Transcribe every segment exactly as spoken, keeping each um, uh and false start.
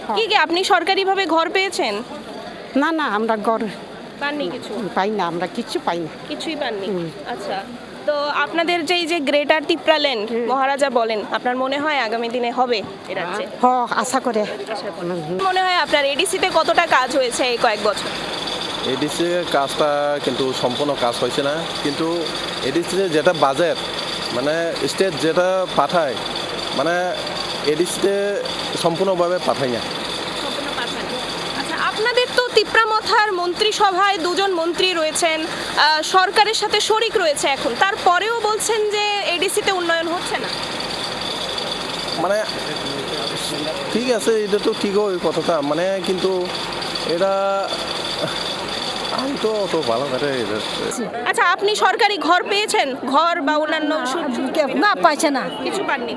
কি কি আপনি সরকারিভাবে ঘর পেয়েছেন? না না আমরা ঘর পাননি কিছু? পাই না, আমরা কিছু পাই না। কিছুই পাননি। আচ্ছা, তো আপনাদের যে এই যে গ্রেটার তিপ্রাল্যান্ড মহারাজা বলেন, আপনার মনে হয় আগামী দিনে হবে এ রাজ্যে? হ আশা করে। মনে হয় আপনার এডিসিতে কতটা কাজ হয়েছে এই কয়েক বছর? এডিসি কাজটা কিন্তু সম্পূর্ণ কাজ হয়েছে না, কিন্তু এডিসিতে যেটা বাজেট মানে স্টেট যেটা পাঠায় মানে এডিসিতে সম্পূর্ণভাবে পাঠায় না। আচ্ছা, আপনাদের তো তিপ্রামথার মন্ত্রিসভায় দুজন মন্ত্রী রয়েছেন, আহ, সরকারের সাথে শরিক রয়েছে এখন, তারপরেও বলছেন যে এডিসিতে উন্নয়ন হচ্ছে না। মানে ঠিক আছে, এটা তো ঠিক ওই কথাটা, মানে কিন্তু এটা আমি তো অত ভালো করে আচ্ছা, আপনি সরকারি ঘর পেয়েছেন? ঘর বা অন্যান্য সু- সু- না পাইছে না। কিছু পাননি?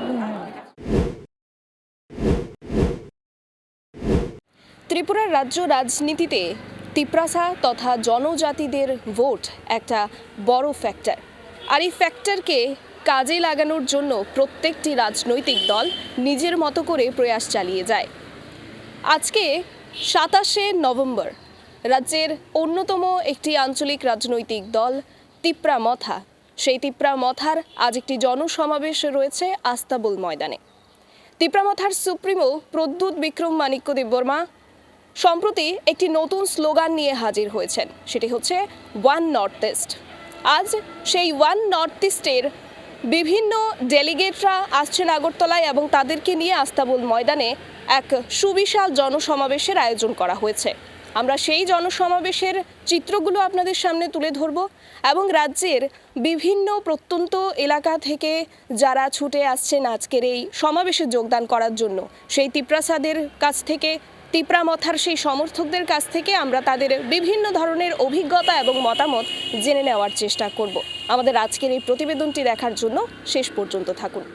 ত্রিপুরার রাজ্য রাজনীতিতে তিপ্রাসা তথা জনজাতিদের ভোট একটা বড় ফ্যাক্টর, আর এই ফ্যাক্টরকে কাজে লাগানোর জন্য প্রত্যেকটি রাজনৈতিক দল নিজের মতো করে প্রয়াস চালিয়ে যায়। আজকে সাতাশে নভেম্বর রাজ্যের অন্যতম একটি আঞ্চলিক রাজনৈতিক দল তিপ্রামথা, সেই তিপ্রামথার আজ একটি জনসমাবেশ রয়েছে আস্তাবল ময়দানে। তিপ্রামথার সুপ্রিমো প্রদ্যুৎ বিক্রম মাণিক্য দেববর্মা সম্প্রতি একটি নতুন স্লোগান নিয়ে হাজির হয়েছেন, সেটি হচ্ছে ওয়ান নর্থ ইস্ট। আজ সেই ওয়ান নর্থ ইস্টের বিভিন্ন ডেলিগেটরা আসছেন আগরতলায় এবং তাদেরকে নিয়ে আস্তাবল ময়দানে এক সুবিশাল জনসমাবেশের আয়োজন করা হয়েছে। আমরা সেই জনসমাবেশের চিত্রগুলো আপনাদের সামনে তুলে ধরব এবং রাজ্যের বিভিন্ন প্রত্যন্ত এলাকা থেকে যারা ছুটে আসছেন আজকের এই সমাবেশে যোগদান করার জন্য, সেই তিপ্রাসাদের কাছ থেকে, তিপ্রামথার সেই সমর্থকদের কাছ থেকে আমরা তাদের বিভিন্ন ধরনের অভিজ্ঞতা এবং মতামত জেনে নেওয়ার চেষ্টা করব। আমাদের আজকের এই প্রতিবেদনটি দেখার জন্য শেষ পর্যন্ত থাকুন।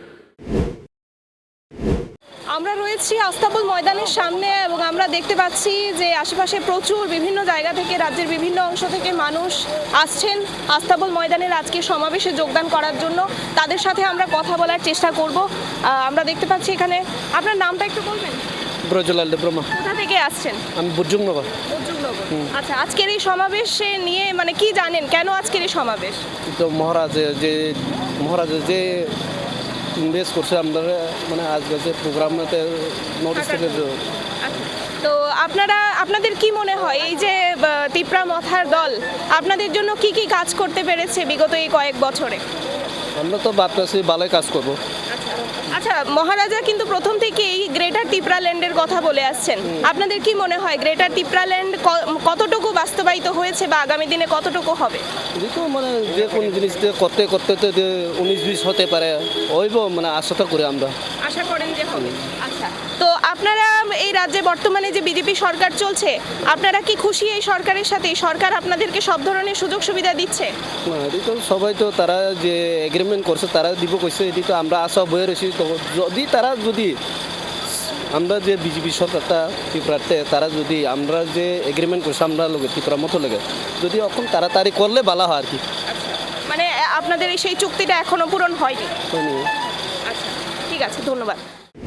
আমরা রয়েছি আস্তাবল ময়দানের সামনে এবং আমরা দেখতে পাচ্ছি যে আশেপাশে প্রচুর বিভিন্ন জায়গা থেকে, রাজ্যের বিভিন্ন অংশ থেকে মানুষ আসছেন আস্তাবল ময়দানের আজকে সমাবেশে যোগদান করার জন্য। তাদের সাথে আমরা কথা বলার চেষ্টা করব। আমরা দেখতে পাচ্ছি এখানে, আপনার নামটা একটু বলবেন? ব্রজলাল দেববর্মা। কোথা থেকে আসছেন? আমি বুর্জুংনগর। আচ্ছা, আজকের এই সমাবেশে নিয়ে মানে কি জানেন, কেন আজকের এই সমাবেশ? তো মহারাজের যে মহারাজের যে ইনভেস্ট করছে আমরা মানে আজকে যে প্রোগ্রামতে নোটিস থেকে। তো আপনারা আপনাদের কি মনে হয় এই যে তিপ্রামথার দল আপনাদের জন্য কি কি কাজ করতে পেরেছে বিগত এই কয়েক বছরে? আমরা তো ভাবতেছি ভালোই কাজ করবো। আচ্ছা, মহারাজা কিন্তু প্রথম থেকেই গ্রেটার তিপ্রাল্যান্ডের কথা বলে আসছেন। আপনাদের কি মনে হয় গ্রেটার তিপ্রাল্যান্ড কতটুকু বাস্তবায়িত হয়েছে বা আগামী দিনে কতটুকু হবে? যেহেতু মানে যে কোনো জিনিস করতে করতে তো যে উনিশ বিশ হতে পারে, ওইব মানে আশাটা করি আমরা। আশা করেন যে হবে। আচ্ছা, তো আপনারা এই রাজ্যে বর্তমানে যে বিজেপি সরকার চলছে, আপনারা কি খুশি এই সরকারের সাথে? সরকার আপনাদেরকে সব ধরনের সুযোগ সুবিধা দিচ্ছে? না, এটি তো সবাই তো তারা যে এগ্রিমেন্ট করছে তারা দিব কইছে, এটি তো আমরা আশা বয়ে রয়েছি। তো যদি তারা যদি আমরা যে বিজেপি সরকারটা ত্রিপুরাতে তারা যদি আমরা যে এগ্রিমেন্ট করছে আমরা লোকে ত্রিপুরার মতো লোকে যদি এখন তাড়াতাড়ি করলে ভালো হয় আর কি। মানে আপনাদের এই সেই চুক্তিটা এখনো পূরণ হয়নি? আচ্ছা, ঠিক আছে, ধন্যবাদ।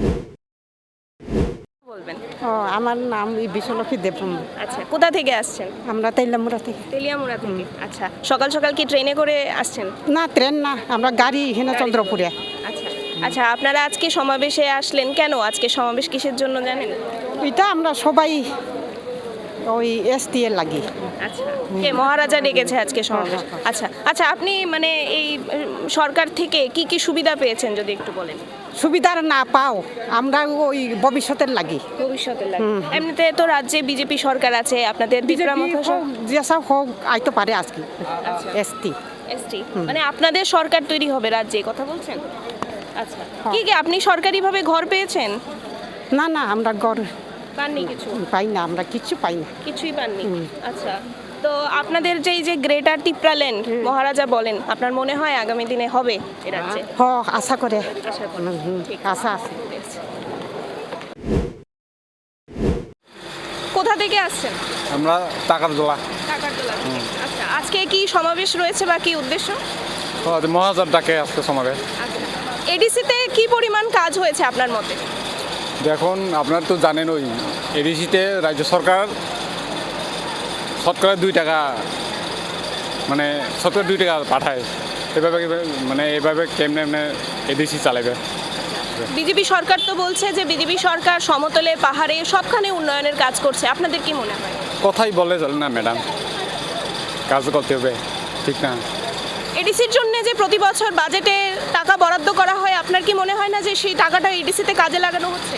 বলবেন? ও আমার নাম বিশ্বলক্ষ্মী দেববর্মা। আচ্ছা, কোথা থেকে আসছেন? আমরা তেলামুড়া থেকে। তেলিয়ামুড়া থেকে। আচ্ছা, সকাল সকাল কি ট্রেনে করে আসছেন? না ট্রেন না, আমরা গাড়ি এখানে চন্দ্রপুরে। আচ্ছা আচ্ছা, আপনারা আজকে সমাবেশে আসলেন কেন? আজকে সমাবেশ কিসের জন্য জানেন? এটা আমরা সবাই ওই এস টি এর লাগি। আচ্ছা, কে মহারাজা ডেকেছে আজকে সমাবেশ? আচ্ছা আচ্ছা, আপনি মানে এই সরকার থেকে কি কি সুবিধা পেয়েছেন যদি একটু বলেন? সুবিধার না পাও, আমরা ওই ভবিষ্যতের লাগি। ভবিষ্যতের লাগে। এমনিতে তো রাজ্যে বিজেপি সরকার আছে, আপনাদের তিপ্রামথা যেসব হোক আইতে পারে আজকে এস টি এসটি, মানে আপনাদের সরকার তৈরি হবে রাজ্যে, কথা বলছেন? আচ্ছা, কি কি আপনি সরকারিভাবে ঘর পেয়েছেন? না না আমরা ঘর পাননি কিছু? পাই না, আমরা কিছু পাই না। কিছুই পাননি। আচ্ছা, তো আপনাদের যে এই যে গ্রেটার তিপ্রাল্যান্ড মহারাজা বলেন, আপনার মনে হয় আগামী দিনে হবে এ রাজ্যে? হ আশা করে। আশা করেন? আশা আছে। কোথা থেকে আসছেন? আমরা টাকারজলা। টাকারজলা থেকে। আচ্ছা, আজকে কি সমাবেশ রয়েছে বা কি উদ্দেশ্য? মহারাজার ডাকে আজকে সমাবেশ। আচ্ছা, এডিসিতে কি পরিমাণ কাজ হয়েছে আপনার মতে? এডিসিতে কাজ হয়েছে, কিন্তু মানে যে কোনো জিনিস করতে করতে যে উনিশ বিশ হতে পারে, ওইব মানে আশাটা করি আমরা। আচ্ছা, দেখুন আপনার তো জানেন ওই এডিসিতে রাজ্য সরকার শতকরা দুই টাকা মানে শতকরা দুই টাকা পাঠায় এভাবে মানে এভাবে কেমনে এমনি এডিসি চালাবে। বিজেপি সরকার তো বলছে যে বিজেপি সরকার সমতলে পাহাড়ে সবখানে উন্নয়নের কাজ করছে, আপনাদের কি মনে হয়? কথাই বলে চলে না ম্যাডাম, কাজ করতে হবে, ঠিক না? এডিসির জন্য যে প্রতি বছর বাজেটে টাকা বরাদ্দ করা হয়, আপনার কি মনে হয় না যে সেই টাকাটা এডিসিতে কাজে লাগানো হচ্ছে?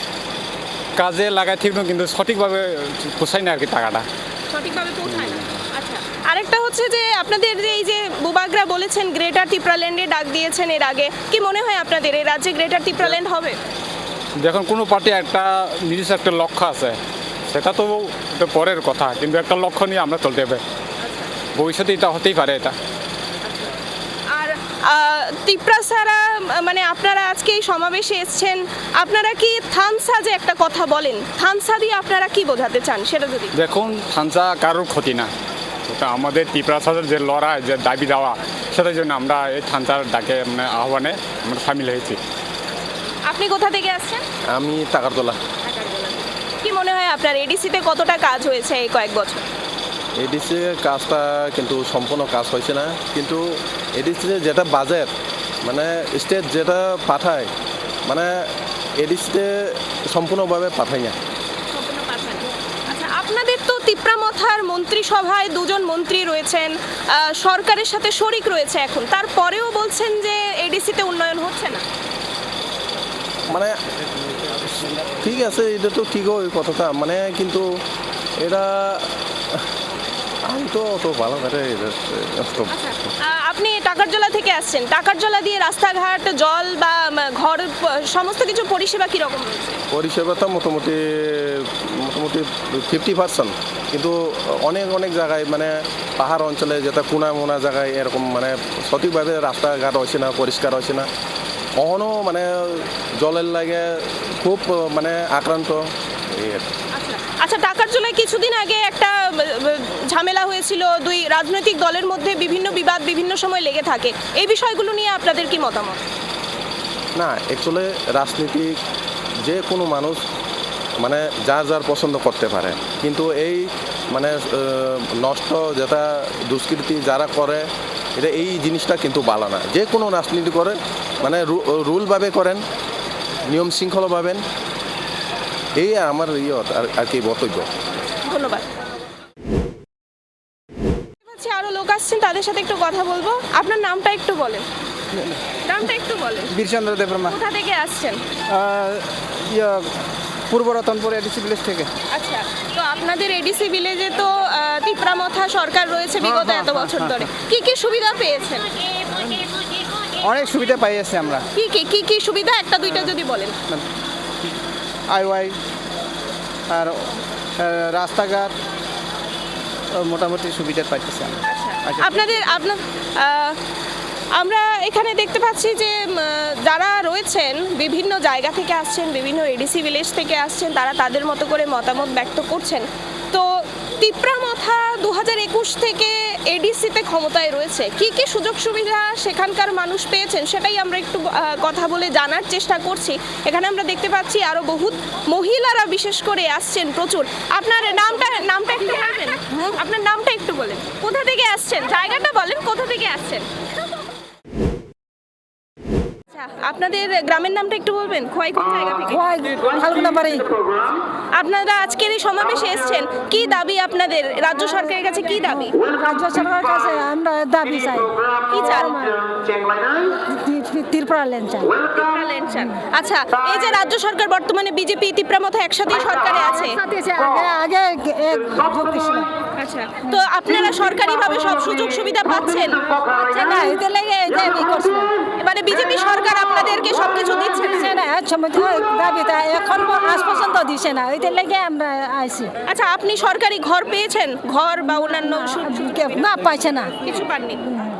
কাজে লাগায় ঠিক না, কিন্তু সঠিকভাবে পোষায় না আর কি টাকাটা। সঠিকভাবে পৌঁছায় না। আচ্ছা, আরেকটা হচ্ছে যে আপনাদের যে এই যে বুবাগরা বলেছেন গ্রেটার তিপ্রাল্যান্ডে ডাক দিয়েছেন এর আগে, কি মনে হয় আপনাদের এই রাজ্যে গ্রেটার তিপ্রাল্যান্ড হবে? দেখুন কোনো পার্টি একটা নিজস্ব একটা লক্ষ্য আছে, সেটা তো এটা পরের কথা, কিন্তু একটা লক্ষ্য নিয়ে আমরা চলতে হবে, ভবিষ্যতে এটা হতেই পারে এটা। আর আহ, তিপ্রাসারা মানে আপনারা আজকে এই সমাবেশে এসেছেন, আপনারা কি থানসা যে একটা কথা বলেন, থানসা দিয়ে আপনারা কি বোঝাতে চান সেটা যদি? দেখুন থানসা কারোর ক্ষতি না, ওটা আমাদের ত্রিপুরার যে লড়াই যে দাবি দেওয়া, সেটার জন্য আমরা এই থানসার ডাকে মানে আহ্বানে আমরা সামিল হয়েছি। আপনি কোথা থেকে আসছেন? আমি টাকার তোলা। কি মনে হয় আপনার এডিসিতে কতটা কাজ হয়েছে এই কয়েক বছর? এডিসি কাজটা কিন্তু সম্পূর্ণ কাজ হয়েছে না, কিন্তু এডিসিতে যেটা বাজেট মানে স্টেট যেটা পাঠায় মানে এডিসিতে সম্পূর্ণভাবে পাঠায় না। আচ্ছা, আপনাদের তো তিপ্রামথার মন্ত্রিসভায় দুজন মন্ত্রী রয়েছেন, আহ, সরকারের সাথে শরিক রয়েছে এখন, তারপরেও বলছেন যে এডিসিতে উন্নয়ন হচ্ছে না। মানে ঠিক আছে, এটা তো ঠিক ওই কথাটা, মানে কিন্তু এটা আমি তো অত ভালো করে আচ্ছা, আহ, আপনি টাকারজলা থেকে আসছেন, টাকারজলা দিয়ে রাস্তাঘাট জল বা উম, ঘর প- সমস্ত কিছু পরিষেবা কীরকম রয়েছে? পরিষেবাটা মোটামুটি মোটামুটি ফিফটি পার্সেন্ট, কিন্তু অনেক অনেক জায়গায় মানে পাহাড় অঞ্চলে যেটা কোনা মোনা জায়গায় এরকম মানে সঠিকভাবে রাস্তাঘাট হয়েছে না, পরিষ্কার হয়েছে না, কখনো মানে জলের লাগে খুব মানে আক্রান্ত এই আর কি। আচ্ছা আচ্ছা টাকারজলায় কিছুদিন আগে একটা উম, উম, ঝামেলা হয়েছিল, দুই রাজনৈতিক দলের মধ্যে বিভিন্ন বিবাদ বিভিন্ন সময় লেগে থাকে, এই বিষয়গুলো নিয়ে আপনাদের কি মতামত? না, অ্যাকচুয়ালি রাজনীতিক যে কোনো মানুষ মানে যার যার পছন্দ করতে পারে, কিন্তু এই মানে আহ, নষ্ট যেটা দুষ্কৃতি যারা করে এটা এই জিনিসটা কিন্তু ভালো না। যে কোনো রাজনীতি করেন মানে রুলভাবে করেন, নিয়ম শৃঙ্খলা পাবেন, এই আমার ইয়ে আর আর কি বক্তব্য। ধন্যবাদ। আচ্ছা, আরো লোক আসছেন, তাদের সাথে একটু কথা বলবো। আপনার নামটা একটু বলেন। নামটা একটু বলেন। বীরচন্দ্র দেববর্মা, কোথা থেকে আসছেন? ইয়া পূর্ব রতনপুর এডিসি ভিলেজ থেকে। আচ্ছা, তো আপনাদের এডিসি ভিলেজে তো আহ, তিপ্রামথা সরকার রয়েছে বিগত এত বছর ধরে, কি কি সুবিধা পেয়েছেন? অনেক সুবিধা পাই আছে আমরা, কি কি কি কি সুবিধা একটা দুইটা যদি বলেন। আইওয়াই আর আহ, রাস্তাঘাট ও মোটামুটি সুবিধা পাইতেছি আমরা। আচ্ছা। আপনাদের আপনার আহ, আমরা এখানে দেখতে পাচ্ছি যে উম, যারা রয়েছেন বিভিন্ন জায়গা থেকে আসছেন, বিভিন্ন এডিসি ভিলেজ থেকে আসছেন, তারা তাদের মতো করে মতামত ব্যক্ত করছেন। তো তিপ্রামথা দু হাজার একুশ থেকে এডিসিতে ক্ষমতায় রয়েছে, কি কি সুযোগ সুবিধা সেখানকার মানুষ পেয়েছেন সেটাই আমরা একটু আহ, কথা বলে জানার চেষ্টা করছি। এখানে আমরা দেখতে পাচ্ছি আরো বহুত মহিলারা বিশেষ করে আসছেন প্রচুর। আপনার নামটা নামটা একটু বলবেন? আপনার নামটা একটু বলেন, কোথা থেকে আসছেন, জায়গাটা বলেন, কোথা থেকে আসছেন? আচ্ছা, আপনাদের গ্রামের নামটা একটু বলবেন, খোয়াই কোন জায়গা থেকে? ফাল্গুনা বাড়ি। আপনারা আজকের এই সমাবেশে এসেছেন, কি দাবি আপনাদের রাজ্য সরকারের কাছে, কি দাবি? রাজ্য সরকারের কাছে আমরা দাবি চাই, কি চান? ত্রিপুরা ল্যান্ড চাই। ত্রিপুরাল্যান্ড চান। আচ্ছা, এই যে রাজ্য সরকার বর্তমানে বিজেপি তিপ্রামথা একসাথে সরকারে আছে, আগে আগে এক যোগ দিছিল। আচ্ছা, তো আপনারা সরকারিভাবে সব সুযোগ সুবিধা পাচ্ছেন? না, এতে লেগে এটা ই করছিল। এবারে বিজেপি সরকার আপনাদেরকে সবকিছু দিচ্ছে না? দিছে না, এক সময় তো দাবিটা এখন আজ পর্যন্ত দিছে না, ওইটা লেগে আমরা আইছি। আচ্ছা, আপনি সরকারি ঘর পেয়েছেন, ঘর বা অন্যান্য সু- না, পাইছে না। কিছু পাননি?